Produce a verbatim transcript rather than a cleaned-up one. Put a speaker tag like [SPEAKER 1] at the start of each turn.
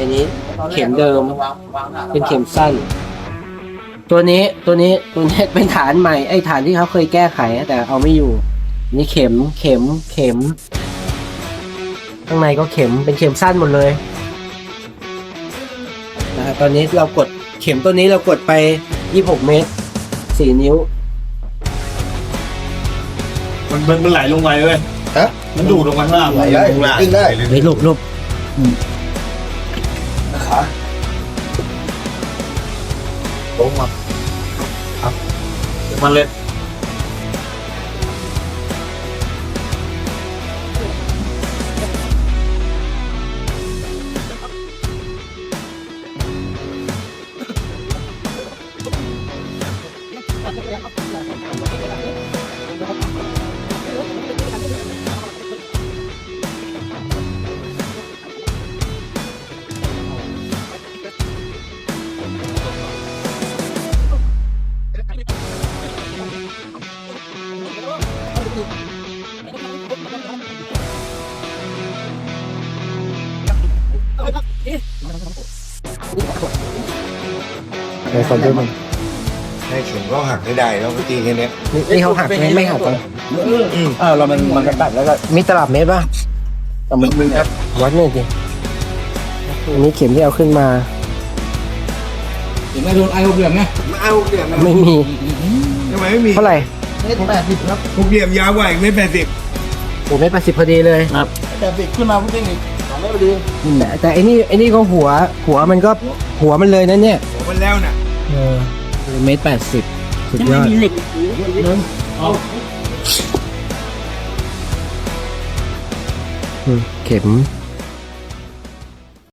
[SPEAKER 1] อันนี้เข็มเดิมเป็นเข็มสั้น ตัวนี้ตัวนี้ตัวนี้เป็นฐานใหม่ไอ้ฐานที่เขาเคยแก้ไขแต่เอาไม่อยู่นี่เข็มเข็มเข็มข้างในก็เข็มเป็นเข็มสั้นหมดเลยนะฮะตอนนี้เรากดเข็มตัวนี้เรากดไปยี่สิบหกเมตรสี่นิ้ว
[SPEAKER 2] มันมันมันไหลลงไปเว้ย
[SPEAKER 3] ฮะ
[SPEAKER 2] มันดูดลงมาข้างล่าง
[SPEAKER 3] ไหลได้
[SPEAKER 2] ลงล่าง
[SPEAKER 3] ขึ้นได้
[SPEAKER 1] เฮ้ยหลบหลบ
[SPEAKER 3] ขาลงมา
[SPEAKER 2] มันเลย
[SPEAKER 1] ไอ้คนด้วยมัน
[SPEAKER 3] ให้เข็มก็หักให้ได้แล้วเมื่อกี้แค่นี้
[SPEAKER 1] นี่นี่เขาหักไหมไม่หักกัน
[SPEAKER 2] เออเรามันมันตัดแล้วก็
[SPEAKER 1] มีตลับเมตรป่ะ
[SPEAKER 2] แต่มันมึงครับ
[SPEAKER 1] วัดหน่อยสิอันนี้เข็มที่เอาขึ้นมา
[SPEAKER 2] เห็นไหมโดนไอ้หกเหลี่ยมไง
[SPEAKER 3] มาเอาเหลี่ยม
[SPEAKER 1] ไม่มี
[SPEAKER 3] ทำไมไม่มี
[SPEAKER 1] เท่าไหร่
[SPEAKER 2] เมตรแปดสิบครับ
[SPEAKER 3] หกเหลี่ยมยาวกว่าอีกเมตรแปดสิบ
[SPEAKER 1] โอ้เมตรแปดสิบพอดีเลย
[SPEAKER 2] ครับแปดสิบขึ้นมาพุ่งอีกสองเมตรพอดี
[SPEAKER 1] แต่แต่ไอ้นี่ไอ้นี่ก็หัว หัวมันก็หัวมันเลยนะเนี่ย
[SPEAKER 3] หัวมันแล้วน่ะ
[SPEAKER 1] เออเมตรแปดสิบสุดยอด
[SPEAKER 2] เอา
[SPEAKER 1] อืมเข็ม